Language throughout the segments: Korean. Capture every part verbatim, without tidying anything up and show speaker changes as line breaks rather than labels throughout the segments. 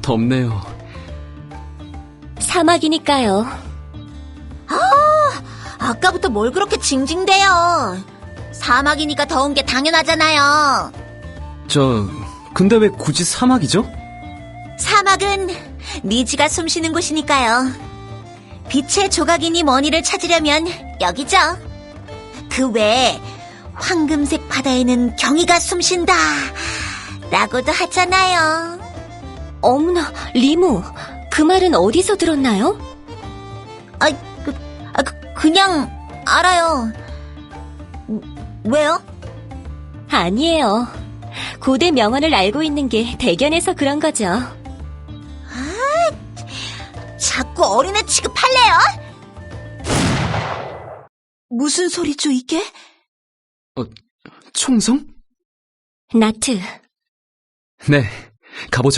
덥네요.
사막이니까요.
아, 아까부터 뭘 그렇게 징징대요. 사막이니까 더운 게 당연하잖아요.
저, 근데 왜 굳이 사막이죠?
사막은 니지가 숨쉬는 곳이니까요. 빛의 조각이니 뭐니를 찾으려면 여기죠. 그 외에 황금색 바다에는 경이가 숨쉰다 라고도 하잖아요.
어머나, 리무, 그 말은 어디서 들었나요?
아, 그, 아, 그, 그냥 알아요. 왜요?
아니에요. 고대 명언을 알고 있는 게 대견해서 그런 거죠.
자꾸 어린애 취급할래요? 무슨 소리죠, 이게?
어, 총성?
나트,
네, 가보죠.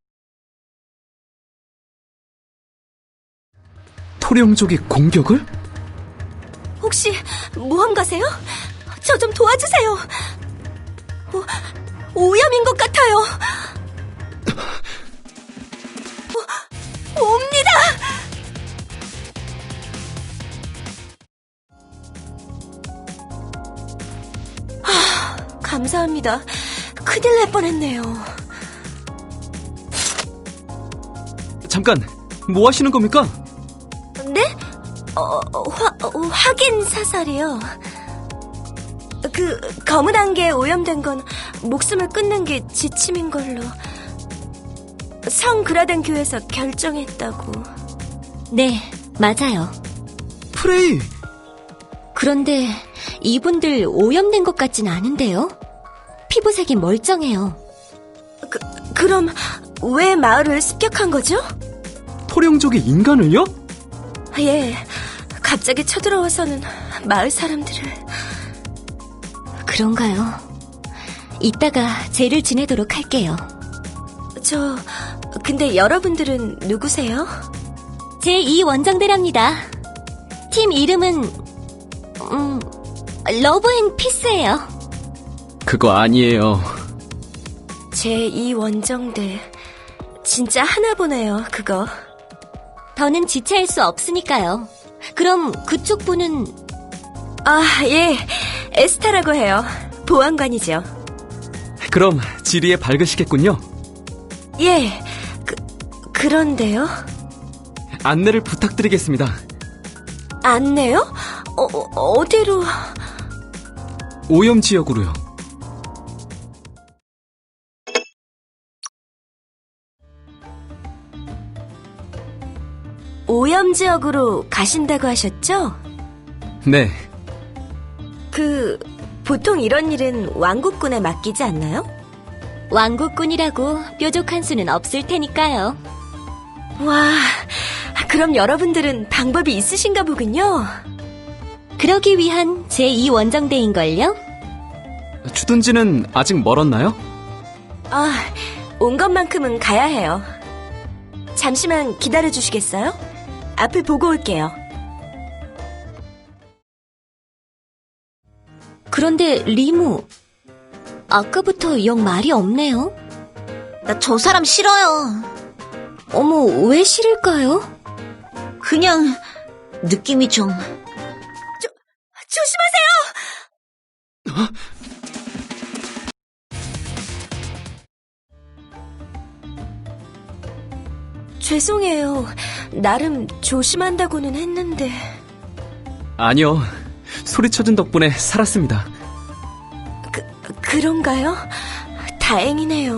토령족이 공격을?
혹시 모험가세요? 저 좀 도와주세요. 오, 오염인 것 같아요. 오, 옵니다. 하, 감사합니다. 큰일 날 뻔했네요.
잠깐, 뭐 하시는 겁니까?
네? 어, 화, 어, 확인 사살이요. 그 검은 안개에 오염된 건 목숨을 끊는 게 지침인 걸로 성 그라덴 교에서 결정했다고. 네, 맞아요.
프레이!
그런데 이분들 오염된 것 같진 않은데요? 피부색이 멀쩡해요. 그, 그럼 왜 마을을 습격한 거죠?
토령족이 인간을요?
예, 갑자기 쳐들어와서는 마을 사람들을... 그런가요? 이따가 제를 지내도록 할게요. 저... 근데 여러분들은 누구세요? 제이 원정대랍니다. 팀 이름은... 음... 러브 앤 피스예요.
그거 아니에요.
제이 원정대... 진짜 하나 보네요, 그거. 더는 지체할 수 없으니까요. 그럼 그쪽 분은... 아, 예. 에스타라고 해요. 보안관이죠.
그럼 지리에 밝으시겠군요.
예. 그, 그런데요?
안내를 부탁드리겠습니다.
안내요? 어, 어디로?
오염 지역으로요.
오염 지역으로 가신다고 하셨죠?
네.
그, 보통 이런 일은 왕국군에 맡기지 않나요? 왕국군이라고 뾰족한 수는 없을 테니까요. 와, 그럼 여러분들은 방법이 있으신가 보군요. 그러기 위한 제이 원정대인걸요?
주둔지는 아직 멀었나요?
아, 온 것만큼은 가야 해요. 잠시만 기다려주시겠어요? 앞을 보고 올게요. 그런데 리무, 아까부터 영 말이 없네요.
나 저 사람 싫어요.
어머, 왜 싫을까요?
그냥 느낌이 좀...
조, 조심하세요! 죄송해요. 나름 조심한다고는 했는데...
아니요. 소리쳐준 덕분에 살았습니다.
그, 그런가요? 다행이네요.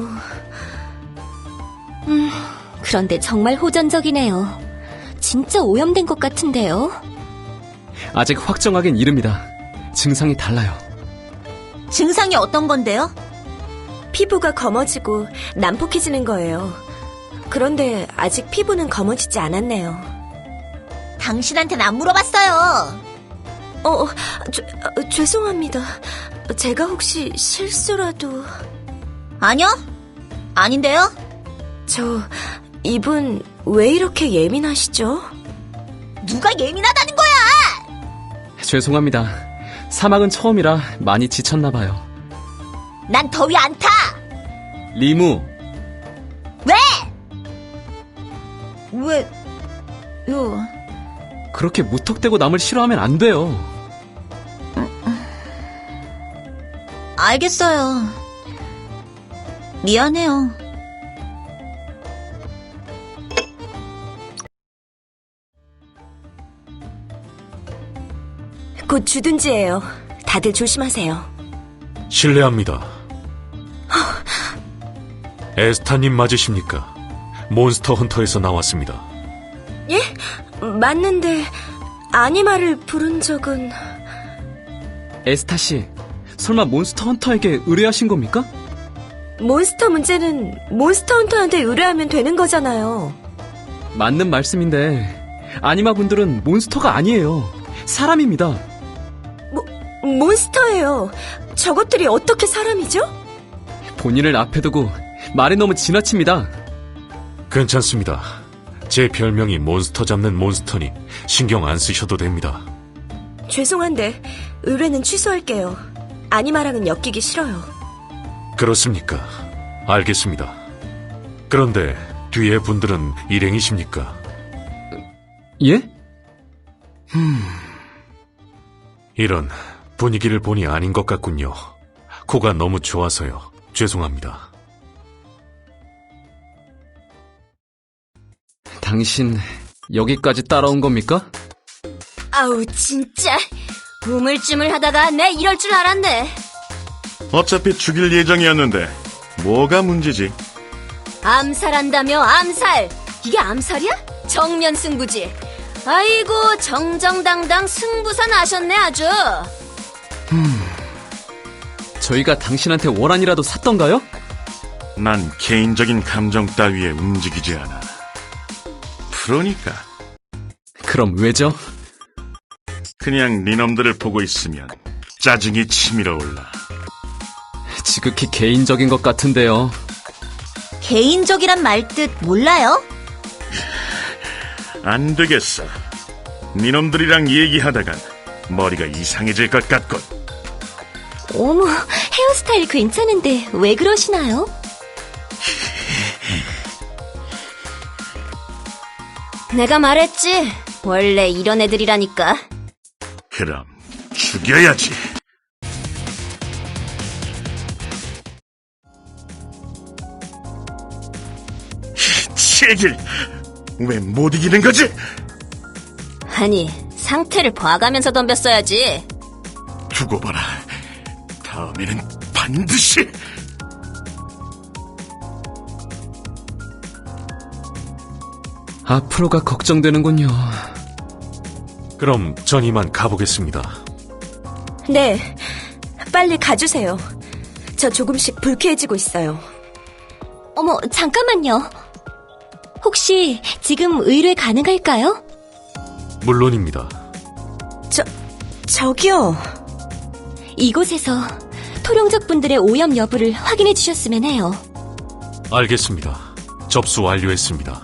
음, 그런데 정말 호전적이네요. 진짜 오염된 것 같은데요?
아직 확정하긴 이릅니다. 증상이 달라요.
증상이 어떤 건데요?
피부가 검어지고 난폭해지는 거예요. 그런데 아직 피부는 검어지지 않았네요.
당신한테는 안 물어봤어요.
어, 어 죄, 어, 죄송합니다. 제가 혹시 실수라도...
아니요? 아닌데요?
저, 이분 왜 이렇게 예민하시죠?
누가 예민하다는 거야!
죄송합니다. 사막은 처음이라 많이 지쳤나 봐요.
난 더위 안 타!
리무.
왜? 왜, 요,
그렇게 무턱대고 남을 싫어하면 안 돼요.
알겠어요. 미안해요.
곧 주둔지예요. 다들 조심하세요.
실례합니다. 에스타님 맞으십니까? 몬스터 헌터에서 나왔습니다.
예? 맞는데 아니마를 부른 적은...
에스타 씨, 설마 몬스터 헌터에게 의뢰하신 겁니까?
몬스터 문제는 몬스터 헌터한테 의뢰하면 되는 거잖아요.
맞는 말씀인데 아니마 분들은 몬스터가 아니에요. 사람입니다.
몬스터예요. 저것들이 어떻게 사람이죠?
본인을 앞에 두고 말이 너무 지나칩니다.
괜찮습니다. 제 별명이 몬스터 잡는 몬스터니 신경 안 쓰셔도 됩니다.
죄송한데 의뢰는 취소할게요. 아니마랑은 엮이기 싫어요.
그렇습니까? 알겠습니다. 그런데 뒤에 분들은 일행이십니까?
예?
이런 분위기를 보니 아닌 것 같군요. 코가 너무 좋아서요. 죄송합니다.
당신 여기까지 따라온 겁니까?
아우, 진짜. 우물쭈물하다가 내 이럴 줄 알았네.
어차피 죽일 예정이었는데 뭐가 문제지?
암살한다며, 암살! 이게 암살이야? 정면 승부지. 아이고, 정정당당 승부사 나셨네, 아주.
저희가 당신한테 월안이라도 샀던가요?
난 개인적인 감정 따위에 움직이지 않아. 프로니까
그럼 왜죠?
그냥 니놈들을 보고 있으면 짜증이 치밀어 올라.
지극히 개인적인 것 같은데요.
개인적이란 말 뜻 몰라요?
안 되겠어. 니놈들이랑 얘기하다간 머리가 이상해질 것 같군.
어머, 헤어스타일 괜찮은데 왜 그러시나요?
내가 말했지. 원래 이런 애들이라니까.
그럼 죽여야지. 제길 왜 못 이기는 거지?
아니, 상태를 봐가면서 덤볐어야지.
두고 봐라. 다음에는 반드시.
앞으로가 걱정되는군요.
그럼 전 이만 가보겠습니다.
네, 빨리 가주세요. 저 조금씩 불쾌해지고 있어요. 어머, 잠깐만요. 혹시 지금 의뢰 가능할까요?
물론입니다.
저, 저기요. 이곳에서 토룡족 분들의 오염 여부를 확인해 주셨으면 해요.
알겠습니다. 접수 완료했습니다.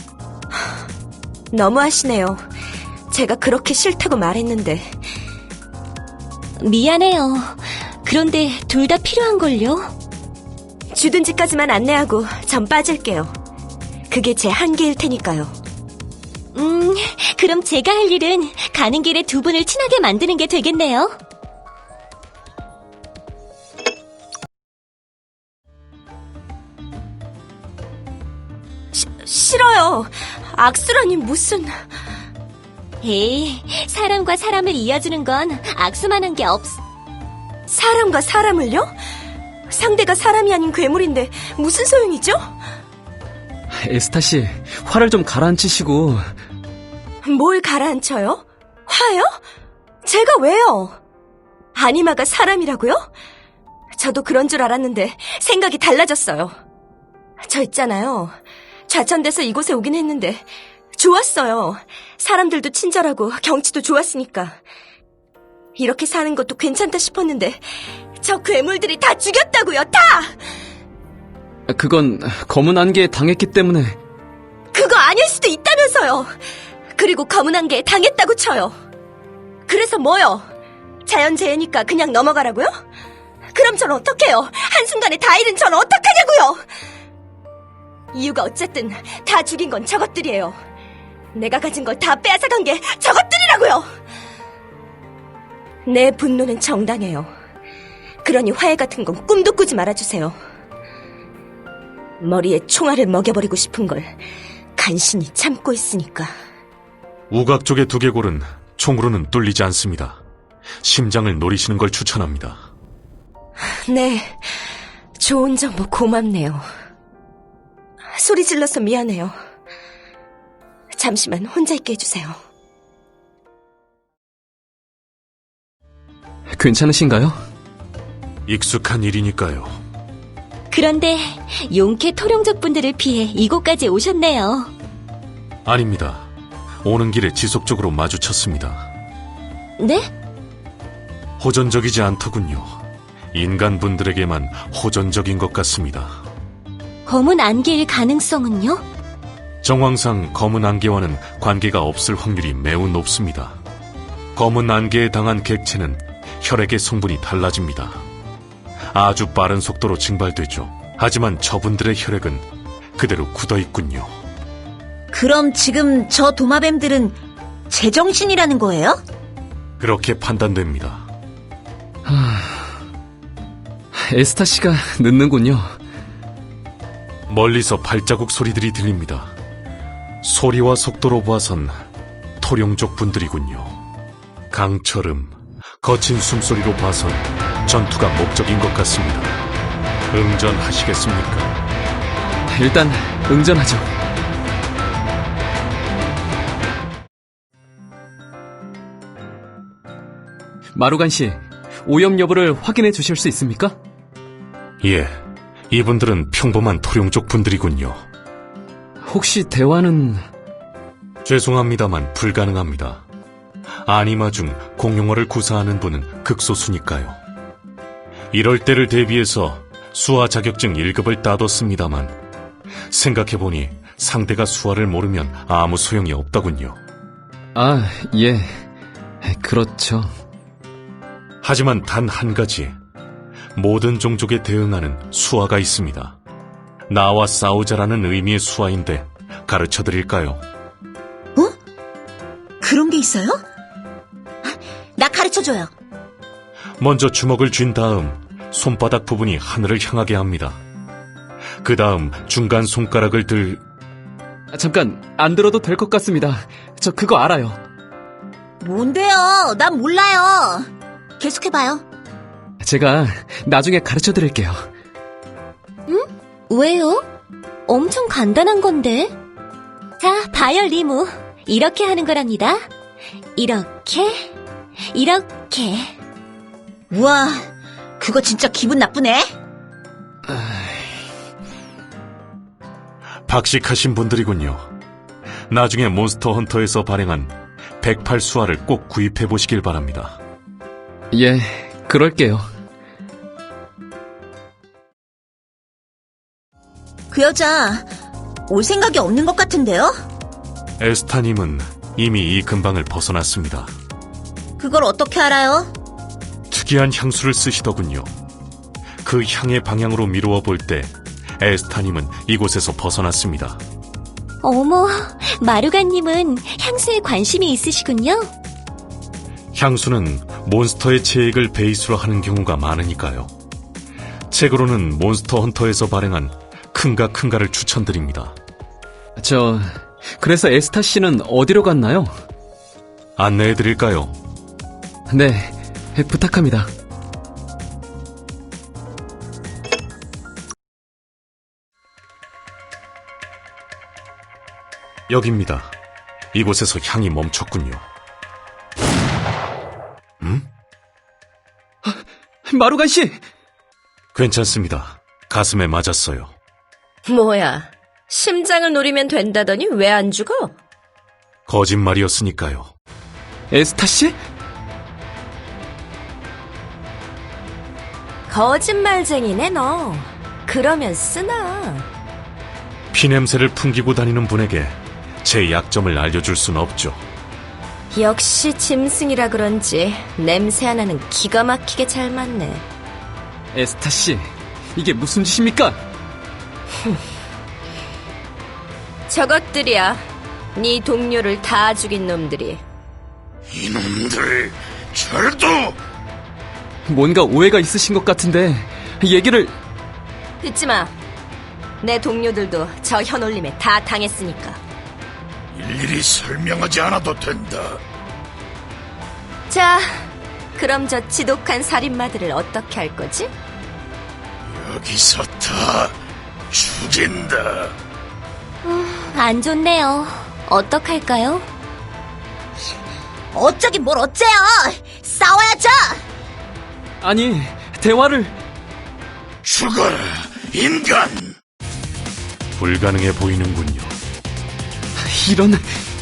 너무하시네요. 제가 그렇게 싫다고 말했는데.
미안해요. 그런데 둘 다 필요한걸요?
주둔지까지만 안내하고 전 빠질게요. 그게 제 한계일 테니까요.
음, 그럼 제가 할 일은 가는 길에 두 분을 친하게 만드는 게 되겠네요.
시, 싫어요. 악수라니 무슨...
에이, 사람과 사람을 이어주는 건 악수만한 게 없...
사람과 사람을요? 상대가 사람이 아닌 괴물인데 무슨 소용이죠?
에스타 씨, 화를 좀 가라앉히시고.
뭘 가라앉혀요? 화요? 제가 왜요? 아니마가 사람이라고요? 저도 그런 줄 알았는데 생각이 달라졌어요. 저 있잖아요. 좌천돼서 이곳에 오긴 했는데 좋았어요. 사람들도 친절하고 경치도 좋았으니까. 이렇게 사는 것도 괜찮다 싶었는데 저 괴물들이 다 죽였다고요, 다!
그건 검은 안개에 당했기 때문에.
그거 아닐 수도 있다면서요. 그리고 검은 안개에 당했다고 쳐요. 그래서 뭐요? 자연재해니까 그냥 넘어가라고요? 그럼 전 어떡해요? 한순간에 다 잃은 전 어떡하냐고요? 이유가 어쨌든 다 죽인 건 저것들이에요. 내가 가진 걸 다 빼앗아간 게 저것들이라고요! 내 분노는 정당해요. 그러니 화해 같은 건 꿈도 꾸지 말아주세요. 머리에 총알을 먹여버리고 싶은 걸 간신히 참고 있으니까.
우각 쪽의 두개골은 총으로는 뚫리지 않습니다. 심장을 노리시는 걸 추천합니다.
네, 좋은 정보 고맙네요. 소리 질러서 미안해요. 잠시만 혼자 있게 해주세요.
괜찮으신가요?
익숙한 일이니까요.
그런데 용케 토룡족 분들을 피해 이곳까지 오셨네요.
아닙니다. 오는 길에 지속적으로 마주쳤습니다.
네?
호전적이지 않더군요. 인간분들에게만 호전적인 것 같습니다.
검은 안개일 가능성은요?
정황상 검은 안개와는 관계가 없을 확률이 매우 높습니다. 검은 안개에 당한 객체는 혈액의 성분이 달라집니다. 아주 빠른 속도로 증발되죠. 하지만 저분들의 혈액은 그대로 굳어있군요.
그럼 지금 저 도마뱀들은 제정신이라는 거예요?
그렇게 판단됩니다.
에스타 씨가 늦는군요.
멀리서 발자국 소리들이 들립니다. 소리와 속도로 봐선 토룡족 분들이군요. 강철음, 거친 숨소리로 봐선 전투가 목적인 것 같습니다. 응전하시겠습니까?
일단 응전하죠. 마루간 씨, 오염 여부를 확인해 주실 수 있습니까?
예, 이분들은 평범한 토룡족 분들이군요.
혹시 대화는...
죄송합니다만 불가능합니다. 아니마 중 공용어를 구사하는 분은 극소수니까요. 이럴 때를 대비해서 수화 자격증 일 급을 따뒀습니다만 생각해보니 상대가 수화를 모르면 아무 소용이 없더군요.
아, 예. 그렇죠.
하지만 단 한 가지, 모든 종족에 대응하는 수화가 있습니다. 나와 싸우자라는 의미의 수화인데 가르쳐드릴까요?
그런 게 있어요? 나 가르쳐줘요.
먼저 주먹을 쥔 다음 손바닥 부분이 하늘을 향하게 합니다. 그 다음 중간 손가락을 들...
아, 잠깐, 안 들어도 될 것 같습니다. 저 그거 알아요.
뭔데요? 난 몰라요. 계속해봐요.
제가 나중에 가르쳐 드릴게요.
왜요? 엄청 간단한 건데. 자, 봐요, 리무. 이렇게 하는 거랍니다. 이렇게, 이렇게.
우와, 그거 진짜 기분 나쁘네.
박식하신 분들이군요. 나중에 몬스터 헌터에서 발행한 백팔 수화를 꼭 구입해보시길 바랍니다.
예, 그럴게요.
그 여자 올 생각이 없는 것 같은데요?
에스타님은 이미 이 근방을 벗어났습니다.
그걸 어떻게 알아요?
특이한 향수를 쓰시더군요. 그 향의 방향으로 미루어 볼 때 에스타님은 이곳에서 벗어났습니다.
어머, 마루가님은 향수에 관심이 있으시군요.
향수는 몬스터의 체액을 베이스로 하는 경우가 많으니까요. 책으로는 몬스터 헌터에서 발행한 큰가 큰가를 추천드립니다.
저, 그래서 에스타 씨는 어디로 갔나요?
안내해드릴까요?
네, 부탁합니다.
여기입니다. 이곳에서 향이 멈췄군요. 음?
마루간 씨!
괜찮습니다. 가슴에 맞았어요.
뭐야, 심장을 노리면 된다더니 왜 안 죽어?
거짓말이었으니까요.
에스타 씨?
거짓말쟁이네 너. 그러면 쓰나.
피냄새를 풍기고 다니는 분에게 제 약점을 알려줄 순 없죠.
역시 짐승이라 그런지 냄새 하나는 기가 막히게 잘 맞네.
에스타 씨, 이게 무슨 짓입니까?
저것들이야. 네 동료를 다 죽인 놈들이.
이놈들 절도!
뭔가 오해가 있으신 것 같은데 얘기를...
듣지 마. 내 동료들도 저 현올림에 다 당했으니까.
일일이 설명하지 않아도 된다.
자, 그럼 저 지독한 살인마들을 어떻게 할 거지?
여기서 다 죽인다.
안 좋네요. 어떡할까요?
어쩌긴 뭘 어째요! 싸워야죠!
아니, 대화를...
죽어라, 인간!
불가능해 보이는군요.
이런...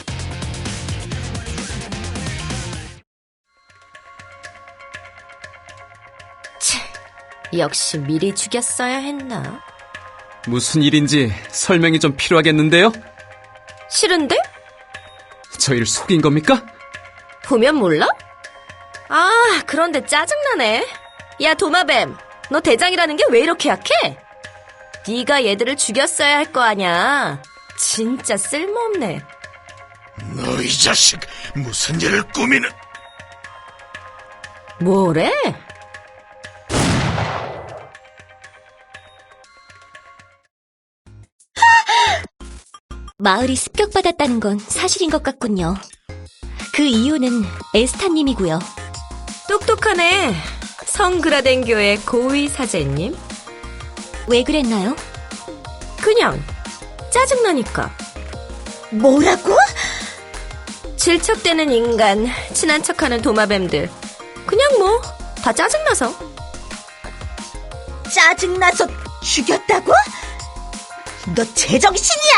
역시 미리 죽였어야 했나?
무슨 일인지 설명이 좀 필요하겠는데요?
싫은데?
저희를 속인 겁니까?
보면 몰라? 아, 그런데 짜증나네. 야, 도마뱀, 너 대장이라는 게 왜 이렇게 약해? 네가 얘들을 죽였어야 할 거 아냐. 진짜 쓸모없네.
너 이 자식, 무슨 일을 꾸미는...
뭐래?
마을이 습격받았다는 건 사실인 것 같군요. 그 이유는 에스타님이고요.
똑똑하네. 성그라덴교의 고위 사제님.
왜 그랬나요?
그냥 짜증나니까.
뭐라고?
질척대는 인간, 친한 척하는 도마뱀들. 그냥 뭐 다 짜증나서.
짜증나서 죽였다고? 너 제정신이야?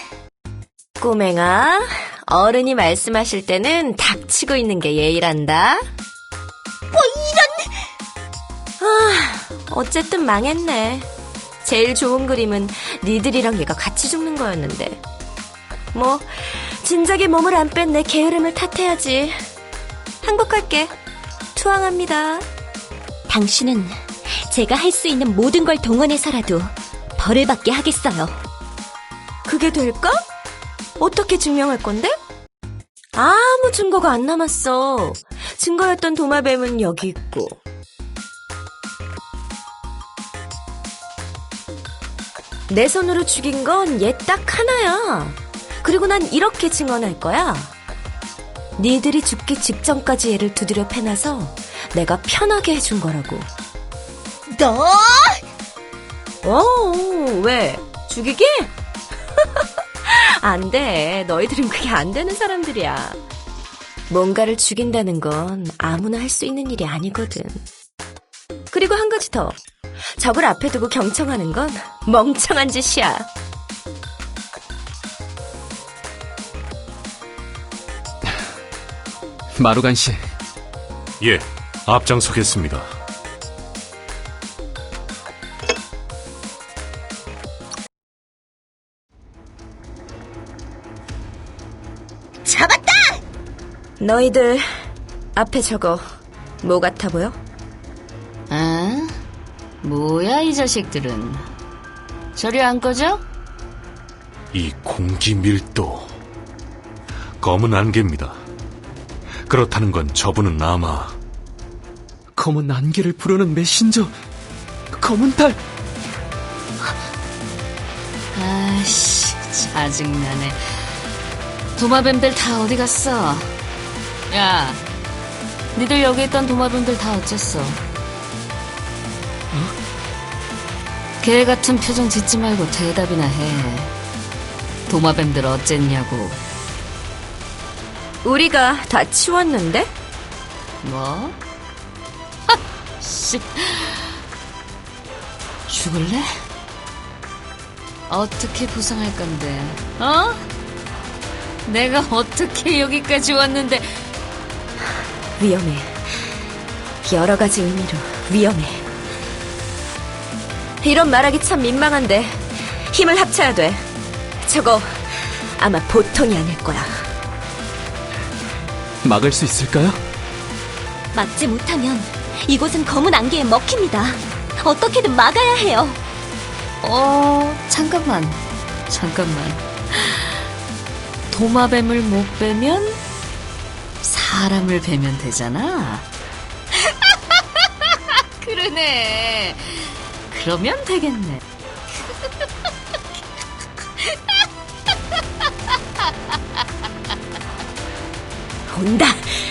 꼬맹아, 어른이 말씀하실 때는 닥치고 있는 게 예의란다.
뭐 이런...
아, 어쨌든 망했네. 제일 좋은 그림은 니들이랑 얘가 같이 죽는 거였는데. 뭐 진작에 몸을 안 뺀 내 게으름을 탓해야지. 항복할게. 투항합니다.
당신은 제가 할 수 있는 모든 걸 동원해서라도 벌을 받게 하겠어요.
그게 될까? 어떻게 증명할 건데? 아무 증거가 안 남았어. 증거였던 도마뱀은 여기 있고. 내 손으로 죽인 건 얘 딱 하나야. 그리고 난 이렇게 증언할 거야. 니들이 죽기 직전까지 얘를 두드려 패놔서 내가 편하게 해준 거라고.
너...
어, 왜? 죽이게? 안 돼. 너희들은 그게 안 되는 사람들이야. 뭔가를 죽인다는 건 아무나 할 수 있는 일이 아니거든. 그리고 한 가지 더. 적을 앞에 두고 경청하는 건 멍청한 짓이야.
마루간 씨,
예, 앞장서겠습니다.
잡았다!
너희들 앞에 저거 뭐 같아 보여?
아? 뭐야 이 자식들은. 저리 안 꺼져?
이 공기 밀도. 검은 안개입니다. 그렇다는 건 저분은 아마
검은 안개를 부르는 메신저, 검은 달.
아이씨, 짜증나네. 도마뱀들 다 어디 갔어? 야, 니들 여기 있던 도마뱀들 다 어쨌어? 어? 개 같은 표정 짓지 말고 대답이나 해. 도마뱀들 어쨌냐고.
우리가 다 치웠는데?
뭐? 씨. 죽을래? 어떻게 보상할 건데? 어? 내가 어떻게 여기까지 왔는데?
위험해. 여러 가지 의미로 위험해. 이런 말하기 참 민망한데 힘을 합쳐야 돼. 저거 아마 보통이 아닐 거야.
막을 수 있을까요?
막지 못하면 이곳은 검은 안개에 먹힙니다. 어떻게든 막아야 해요.
어, 잠깐만. 잠깐만. 도마뱀을 못 빼면 사람을 베면 되잖아. 그러네. 그러면 되겠네.
온다.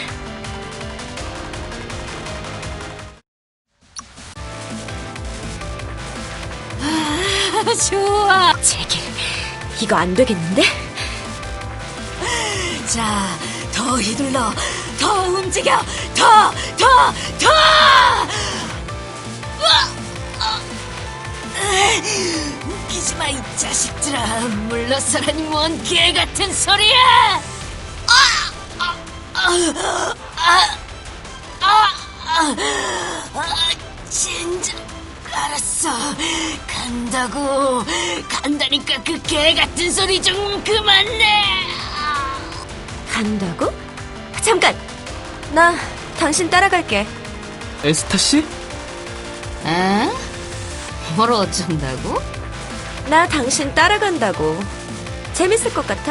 좋아.
제길, 이거 안 되겠는데?
자, 더 휘둘러. 더 움직여. 더, 더, 더! 웃기지 마, 이 자식들아. 물러서라니 뭔 개 같은 소리야! 아! 아! 아! 아! 아! 아! 진짜 알았어. 간다고. 간다니까 그 개 같은 소리 좀 그만내.
간다고? 잠깐! 나 당신 따라갈게.
에스타 씨?
에? 뭘 어쩐다고?
나 당신 따라간다고. 재밌을 것 같아?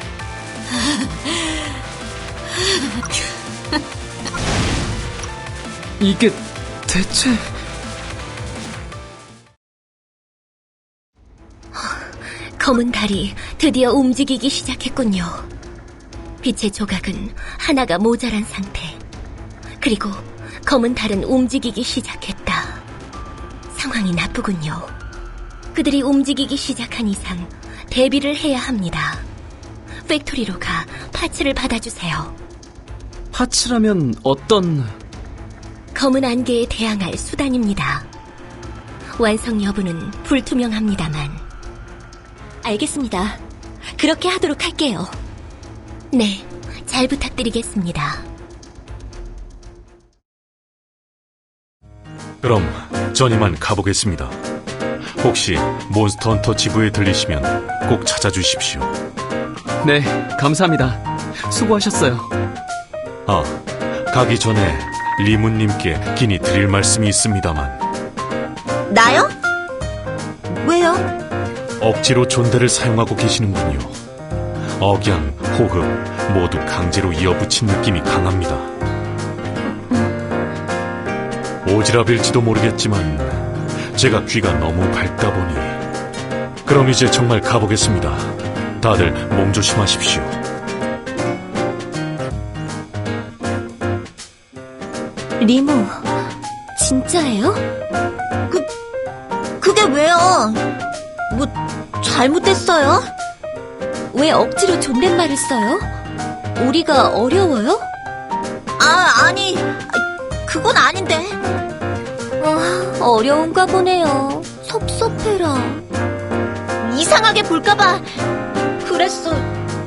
이게 대체...
검은 달이 드디어 움직이기 시작했군요. 빛의 조각은 하나가 모자란 상태. 그리고 검은 달은 움직이기 시작했다. 상황이 나쁘군요. 그들이 움직이기 시작한 이상 대비를 해야 합니다. 팩토리로 가 파츠를 받아주세요.
파츠라면 어떤...
검은 안개에 대항할 수단입니다. 완성 여부는 불투명합니다만. 알겠습니다. 그렇게 하도록 할게요. 네, 잘 부탁드리겠습니다.
그럼 전 이만 가보겠습니다. 혹시 몬스터 헌터 지부에 들리시면 꼭 찾아주십시오.
네, 감사합니다. 수고하셨어요.
아, 가기 전에 리문님께 긴히 드릴 말씀이 있습니다만
나요? 왜요?
억지로 존대를 사용하고 계시는군요. 억양, 호흡 모두 강제로 이어붙인 느낌이 강합니다. 오지랖일지도 모르겠지만 제가 귀가 너무 밝다 보니. 그럼 이제 정말 가보겠습니다. 다들 몸 조심하십시오.
리모, 진짜예요?
그, 그게 왜요? 뭐, 잘못했어요?
왜 억지로 존댓말을 써요? 우리가 어려워요?
아, 아니, 그건 아닌데.
아, 어려운가 보네요. 섭섭해라.
이상하게 볼까봐 그랬어요.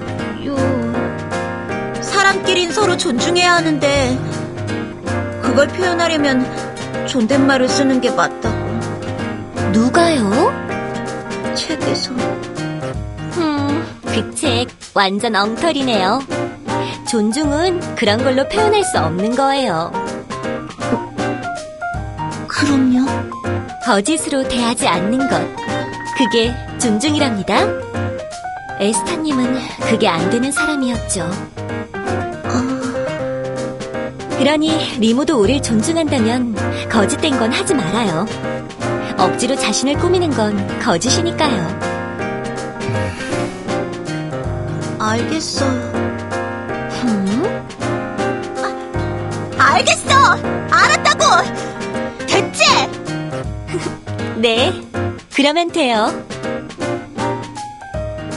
사람끼린 서로 존중해야 하는데 그걸 표현하려면 존댓말을 쓰는 게 맞다고.
누가요?
책에서.
음, 그 책 완전 엉터리네요. 존중은 그런 걸로 표현할 수 없는 거예요.
그럼요.
거짓으로 대하지 않는 것. 그게 존중이랍니다. 에스타님은 그게 안 되는 사람이었죠. 그러니 리모도 우릴 존중한다면 거짓된 건 하지 말아요. 억지로 자신을 꾸미는 건 거짓이니까요.
알겠어요.
음?
아, 알겠어! 알았다고! 됐지?
네, 그러면 돼요.